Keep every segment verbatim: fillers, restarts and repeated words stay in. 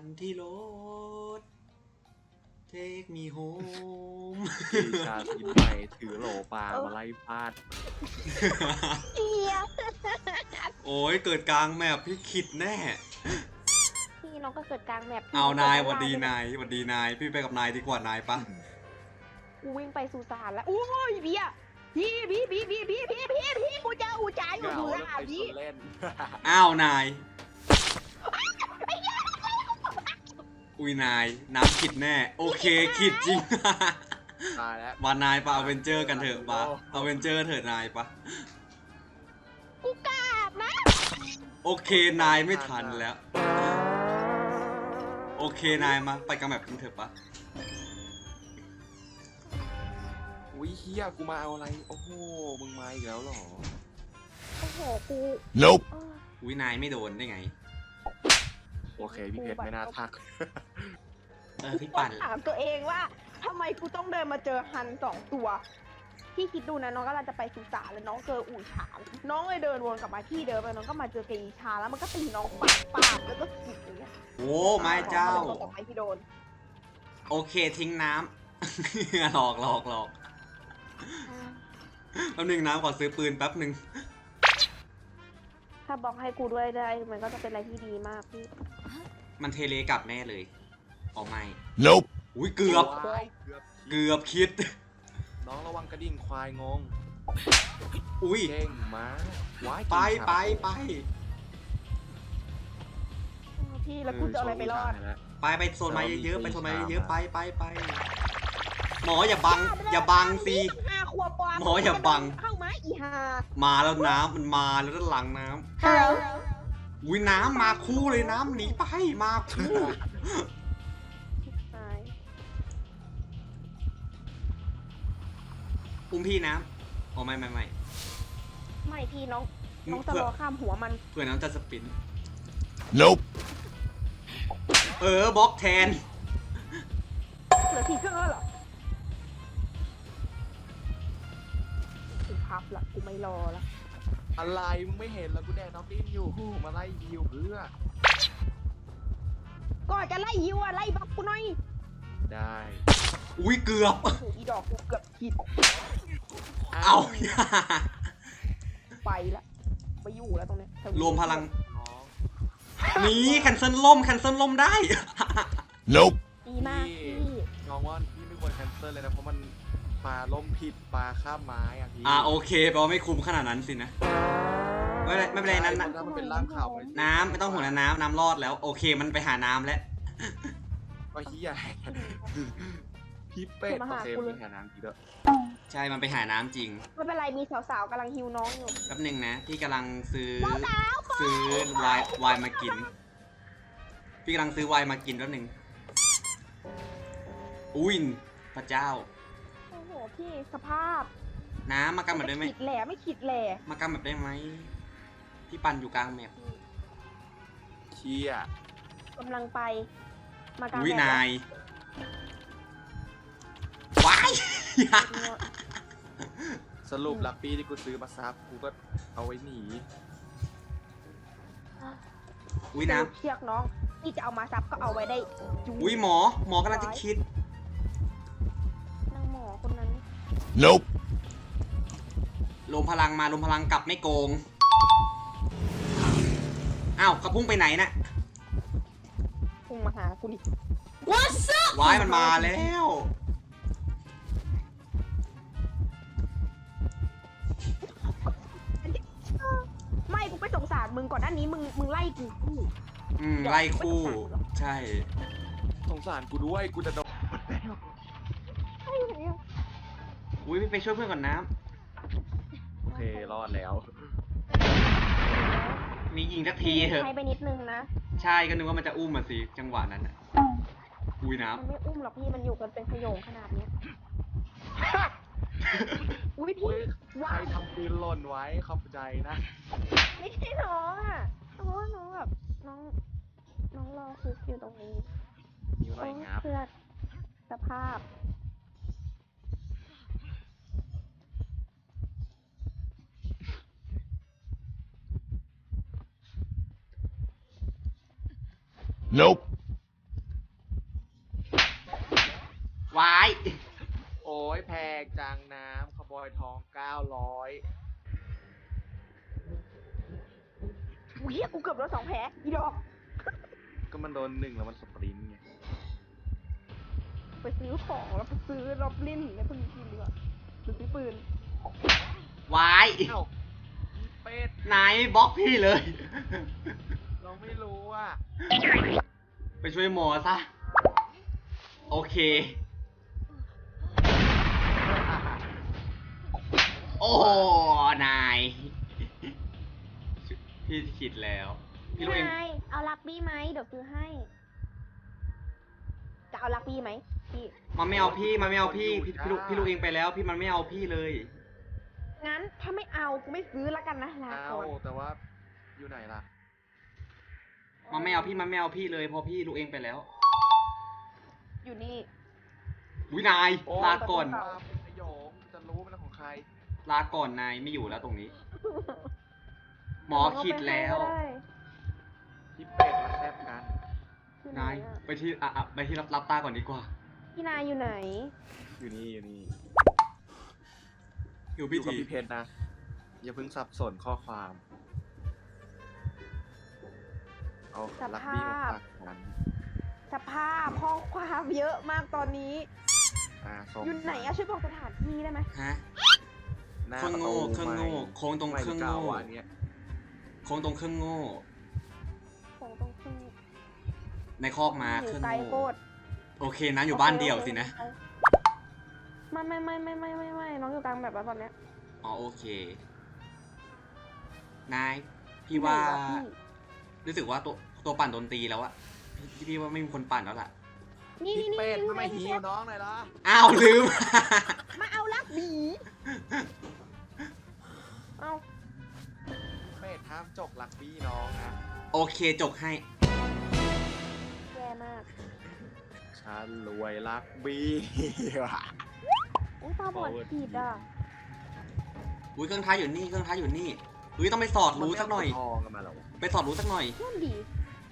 านที่รถ Take me home ปีชาตินใหม่ถือโหลปลามาไล่ฟาดเอียโอ้ยเกิดกลางแมปพี่ขิดแน่พี่น้องก็เกิดกลางแมปเอานายหวัดดีนายหวัดดีนายพี่ไปกับนายดีกว่านายปะกูวิ่งไปสุสานแล้วโอ้ยเบียพี่พี่พี่พี่พี่พี่พี่พี่กูเจออูจ่ายอยู่เหงาสุแล้วสานไปพี่เล่นอ้าวนายอุ้ยนายน้ำขิดแน่โอเคขิดจริงตายแล้วมานายปะเอาเวนเจอร์กันเถอะปะเอาเวนเจอร์เถอะนายปะกูกราบนะโอเคนายไม่ทันแล้ว โอเคนายมาไปกับแบบกันเถอะปะอุ้ยเฮียกูมาเอาอะไรโอ้โหมึงมาอีกแล้วเหรอโอ้โหกู Nope เอออุ้ยนายไม่โดนได้ไงโอเคพี่เพชรไม่น่าทักเออพี่ปั่นถามตัวเองว่าทำไมกูต้องเดินมาเจอฮันสองตัวพี่คิดดูนะน้องกำลังจะไปสุสานแล้วน้องเจออู่ฉางน้องเลยเดินวนกลับมาที่เดิมแล้วน้องก็มาเจอเกอีชาแล้วมันก็ตีน้องปากปากแล้วก็กิดอย่างเงี้ยโอ้ไม่เจ้าตกไปที่โดนโอเคทิ้งน้ำ หลอกหลอกหลอกแป๊บนึงน้ำขอซื้อปืนแป๊บนึงถ้าบอกให้กูด้วยได้มันก็จะเป็นอะไรที่ดีมากพี่มันเทเลกลับแน่เลยอ๋อไม่ Nope อุ้ยเกือบว้ายเกือบเกือบคิดน้องระวังกระดิ่งควายงงอุ้ยเก่งมาว้ายไปไปไปพี่แล้วกูจะเอาอะไรไปรอดไปไปโซนไม้เยอะๆไปโซนไม้เยอะๆไปไปไปหมออย่าบัง อย่าบังสิห้าขวบปอหมออย่าบังเข้ามาอีหามาแล้วน้ำมันมาแล้วด้านหลังน้ฮัลโหลำอุ้ยน้ำมาคู่เลยน้ำหนีไปมาคู่ อุ้มพี่น้ำอ๋อไม่ไม่ไม่ไม่พี่น้องน้องจะเพื่อรอข้ามหัวมันเพื่อน้องจะสปิน Nope เออบล็อกแทนเหลือสี่เครื่องแล้วเหรอกูพับละกูไม่รอละอะไรมึงไม่เห็นแล้วกูแดกน้องดิ้นอยู่มาไล่ยิวเพื่อก่อนจะไล่ยิวอะไล่บักกูหน่อยได้อุ้ยเกือบโอ้โหอีดอกกูเกือบผิดเอาไปละไปอยู่แล้วตรงเนี้ยรวมพลังน้องหนีแคนเซิลล่มแคนเซิลล่มได้ Nope ดีมากพี่น้องว่าพี่ไม่ควรแคนเซิลเลยนะเพราะมันปลาล่มผิดปลาข้ามไม้อะพี่อ่าโอเคแปลว่าไม่คุ้มขนาดนั้นสินะ ไม่เป็นไรไม่เป็นไรนั้นนะถ้ามันเป็นร่างข่าวไปน้ำไม่ต้องห่วงนะน้ำน้ำรอดแล้ว โอเคมันไปหาน้ำแล้วก็เฮียพี่เป็ดโอเคพี่หาน้ำดีด้วยใช่มันไปหาน้ำจริงไม่เป็นไรมีสาวๆกำลังฮิวน้องอยู่แป๊บหนึงนะพี่กำลังซื้อสาวๆซื้อไวน์ไวน์มากิน พี่กำลังซื้อไวน์มากินแป๊บหนึงอุ้ยพระเจ้าโอ้โหพี่สภาพน้ำมากันแบบได้ไหมขีดแหล่ไม่ขีดแหล่มากันแบบได้ไหมพี่ปันอยู่กลางแมปเชียกำลังไป มากลางอุ้ยแดดนาย ว้ายสรุปลักปี้ที่กูซื้อมาซับกูก็เอาไว้หนีอุ้ยน้เชือกน้องที่จะเอามาซับก็เอาไว้ได้จูำอุ้ยหมอ หมอกำลังจะคิดนางหมอคนนั้น Nope ลมพลังมาลมพลังกลับไม่โกง อ้าวเขาพุ่งไปไหนน่ะพุ่งมาหากูดิว้ายมันมาแล้วไม่กูไปสงสารมึงก่อนหน้านี้มึงมึงไล่กูกูอืมไล่คู่ ใช่สงสารกูด้วยกูจะโดนอุ้ยพี่ไปช่วยเพื่อนก่อนน้โอเครอดแล้วำมียิงสักทีเถอะใช้ไปนิดนึงนะใช่ก็นึกว่ามันจะอุ้มมาสิจังหวะนั้นน่ะ อุ้ยน้มันไม่อุ้มหรอกพี่มันอยู่กันเป็นขโยงขนาดเนี้ยอุ้ยพี่อุ้ยใครว้ายทำปืนหล่นไว้ขอบใจนะไม่ใช่น้องอ่ะเพราะว่าน้องแบบน้อง น้องรอคุกอยู่ตรงนี้นิ้วหน่อยงับเพื่อสภาพ Nope วายโอ้ยแพงจังน้ำขบอยทองเก้าร้อยอุ้ยกูเกือบโดนสองแผลอีดอกก็มันโดนหนึ่งแล้วมันสปรินต์ไงไปซื้อของแล้วไปซื้อรอบลิ้นแล้วเพิ่งกินดีกว่าหรือซื้อปืนวายเอ้าพี่เป็ดนายบล็อกพี่เลยเราไม่รู้อ่ะไปช่วยหมอซะ โอเค โอ้นาย พี่คิดแล้ว พี่รู้เองนายเอาลักบี้ไหมเดี๋ยวซื้อให้ จะเอาลักบี้ไหมพี่มันไม่เอาพี่ มันไม่เอาพี่ พี่พี่รู้พี่รู้เองไปแล้ว พี่มันไม่เอาพี่เลยงั้นถ้าไม่เอากูไม่ซื้อละกันนะลาเอาก่อนแต่ว่าอยู่ไหนล่ะมันไม่เอาพี่ มันไม่เอาพี่เลยเพราะพี่รู้เองไปแล้วอยู่นี่วินายโอ้ลาก่อนตามเป็นประโยคจะรู้เป็นของใครลาก่อนนายไม่อยู่แล้วตรงนี้ หมอคิดแล้วพี่เป็ดมาแซบกันอยู่ไหนนายอะไปที่อ่ะอ่ะไปที่รับรับตาก่อนดีกว่าพี่นายอยู่ไหนอยู่นี่อยู่นี่อยู่อพิยู่กับธีพี่เพชรนะ อย่าเพิ่งสับสนข้อความ เอาลักบี้มาฝากกันสภาพห้องความเยอะมากตอนนี้อ่าส่งอยู่ไหนอะช่วยบอกสถานที่ได้ไหมฮะหน้าเครื่องโง่ประตูเครื่องโง่ไม่โค้งตรงไม่เครื่องเก่าโง่อ่ะอันเนี้ยโค้งตรงเครื่องโง่ของตรงขึ้นในคอกมาอเคยู่รื่องไกลโง่โคตรโอเคนะอยู่บ้านเดี่ยวสินะไม่ไม่ไม่ไม่ไม่ไม่ไม่น้องอยู่กลางแบบแล้วตอนเนี้ยอ๋อโอเค นาย พี่ว่าไหนวะพี่รู้สึกว่าตัวตัวปั่นโดนตีแล้วอะพี่พี่ว่าไม่มีคนปั่นแล้วล่ะนี่พี่นี่นี่เป็ดนี่ทำไมนี่หิวน้องหน่อยล่ะอ้าวลืมมาเอาลักบีเอาเป็ดห้ามจกลักบี้น้องนะโอเคจกให้แย่มากฉันรวยลักบี้ว่ะอุ้ยตาบอด Forward ผิดอ่ะอุ้ยเครื่องท้ายอยู่นี่เครื่องท้ายอยู่นี่อุ้ยต้องไปสอดรู้สักหน่อยมัไม่เาทองกันมาหรอไปสอดรู้สักหน่อยนั่นดี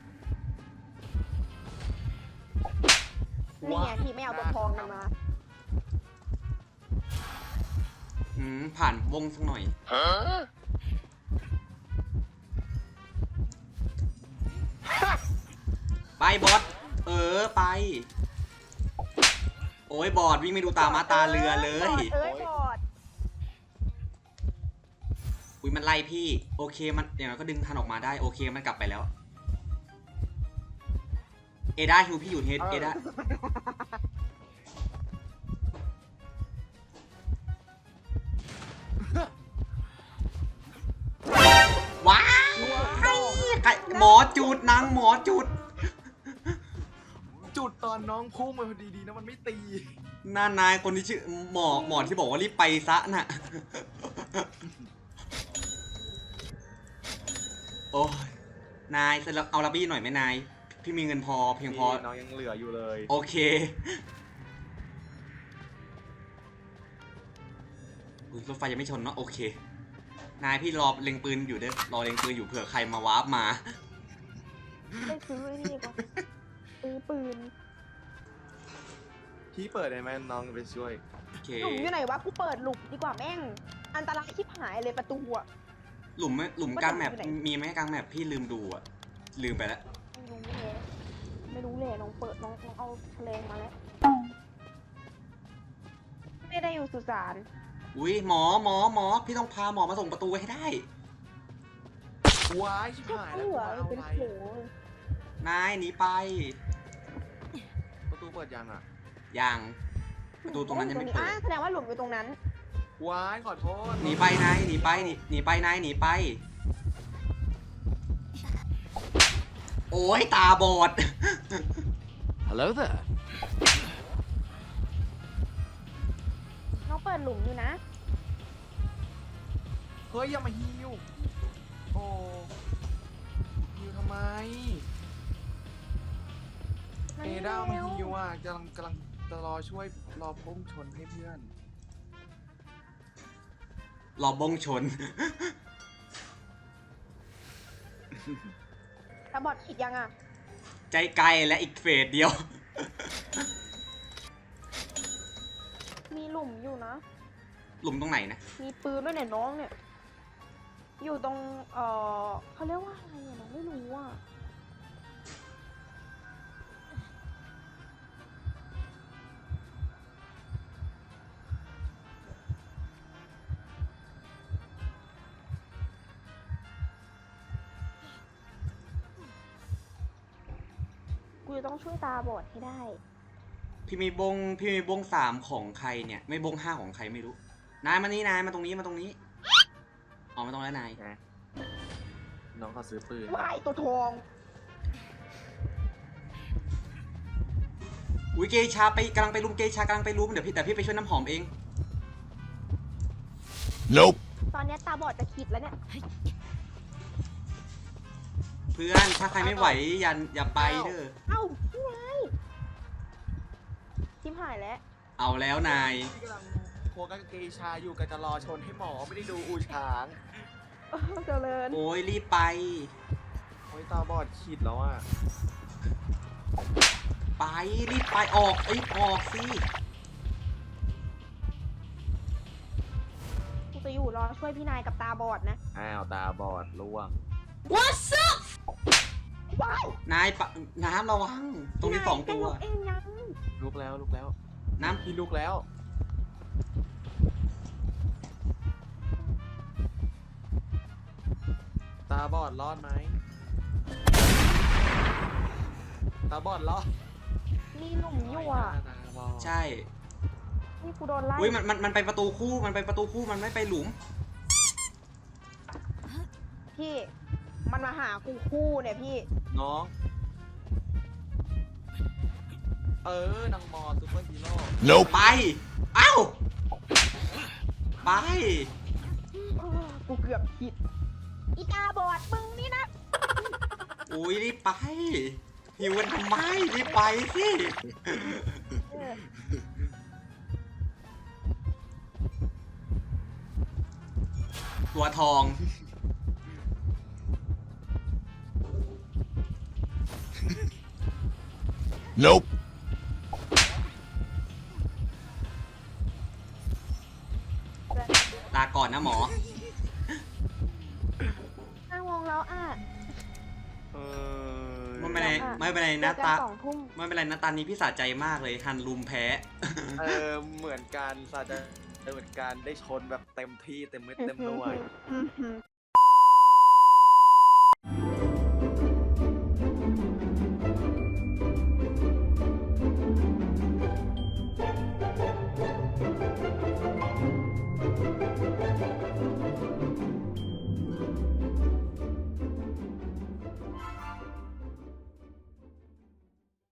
นี่ไงที่ไม่เอาตัวทองกันมาอืมผ่านวงสักหน่อย Huh? ไปบอสเออไป โอ้ยบอดวิ่งไม่ดูตามาตาเรือเลยเอ้ยบอดอุ้ยมันไล่พี่ โอเคมันอย่างน้อยก็ดึงทันออกมาได้โอเคมันกลับไปแล้ว เอด้าฮิวพี่อยู่เฮดเอด้าว้ายใครหมอจูดนางหมอจูดจุดตอนน้องพุ่งมาพอดีๆนะมันไม่ตีหน้านายคนที่ชื่อหมอหมอที่บอกว่ารีบไปซะน่ะ โอ้ยนายเอาลับบี้หน่อยไหมนาย พี่มีเงินพอเพียงพอน้องยังเหลืออยู่เลยโอเคอุ๊ยรถไฟยังไม่ชนเนาะโอเค นายพี่รอเล็งปืนอยู่เด้อรอเล็งปืนอยู่เผื่อใครมาวาร์ปมาไปซื้อไอ้นี่ดีกว่าซื้อปืนพี่เปิดได้ไหมน้องไปช่วยโอเคหลุมอยู่ไหนวะกูเปิดหลุมดีกว่าแม่ง อันตรายชิบหายเลยประตูอะหลุมไหมหลุมกลางแมปมีไหมกลางแมปพี่ลืมดูอะลืมไปแล้วไม่รู้เลยไม่รู้เลยน้องเปิดน้องน้องเอาเพลงมาแล้ว ไม่ได้อยู่สุสานอุ้ยหมอหมอหมอพี่ต้องพาหมอมาส่งประตูให้ได้ว้ายชิบก็หายเหแล้วลือเอาเป็นอะไรโถนายหนีไปประตูเปิดยังอ่ะยังประตูตรงนั้นยังไม่เปิดอ่ะแสดงว่าหลุมอยู่ตรงนั้นว้ายขอโทษหนีไปนายหนีไปหนีหนีไปนายหนีไป โอ้ยตาบอด Hello there. น้องเปิดหลุมอยู่นะเฮ้ยอย่ามาฮิวโอ้ฮิวทำไมมันเอไม่ด้ามาเร็วฮิวอ่ะกำลังกำลังจะรอช่วยรอพุ่งชนให้เพื่อนรอบงชนตาบอดผิดยังอ่ะใจไกลและอีกเฟสเดียวลุมอยู่นะหลุมตรงไหนนะมีปืนด้วยเนี่ยน้องเนี่ย อยู่ตรง เอ่อเขาเรียกว่าอะไรอะน้องไม่รู้อ่ะ กูจะต้องช่วยตาบอดให้ได้พี่มีบงพี่มีบงสามของใครเนี่ย ไม่บงห้าของใครไม่รู้ นายมานี่นายมาตรงนี้มาตรงนี้อ๋อมาตรงแล้วนายนะน้องเขาซื้อปืนวายตัวทองอุ้ยเกชาไปกำลังไปรุมเกชากำลังไปรุมเดี๋ยวพี่แต่พี่ไปช่วยน้ำหอมเอง Nope. ตอนเนี้ยตาบอดจะคิดแล้วเนี่ยเพื่อนถ้าใครไม่ไหวอย่าอย่าไปเด้อเอ้าพี่ไงชิมหายแล้วเอาแล้วนายพี่กำลังโคกันเกชาอยู่กันจะรอชนให้หมอไม่ได้ดูอูช้างเออเจริญโอ้ยรีบไปโอ้ยตาบอดขีดแล้วอ่ะไปรีบไปออกเอ้ยออกสิกูจะอยู่รอช่วยพี่นายกับตาบอดนะอ้าวตาบอดล่วง What's up ว้ายนายปะน้ำระวัง ตรงนี้สองตัวพี่นายแกยกเองยังลุกแล้วลุกแล้วน้พี่ลุกแล้ว ตาบอดรอดไหมตาบอดรอดมีหลุมอยู่อ่ะตาบอดำใช่นี่กูโดนไล่อุ้ยมันมันมันไปประตูคู่มันไปประตูคู่มันไม่ไปหลุมพี่ มันมาหากูคู่เนี่ยพี่น้อง เออนางมอซูเปอร์ฮีโร่ Nope. ไป เอ้า ไปเออกูเกือบผิด อีตาบอดมึงนี่นะอุ้ยรีบไปหิวกันทำไมรีบไปสิเออตัวทอง Nope. ลาก่อนนะหมอห้าโมงแล้วอ่ะเออไม่เป็นไรไม่เป็นไรเจนะอกันตาสองทุ่มไม่เป็นไรนะตานี้พี่สะใจมากเลยฮันลุมแพ้เออเหมือนกันสาจะเหมือนกันได้ชนแบบเต็มที่เต็มเม็ดเต็มหน่วยอือหือ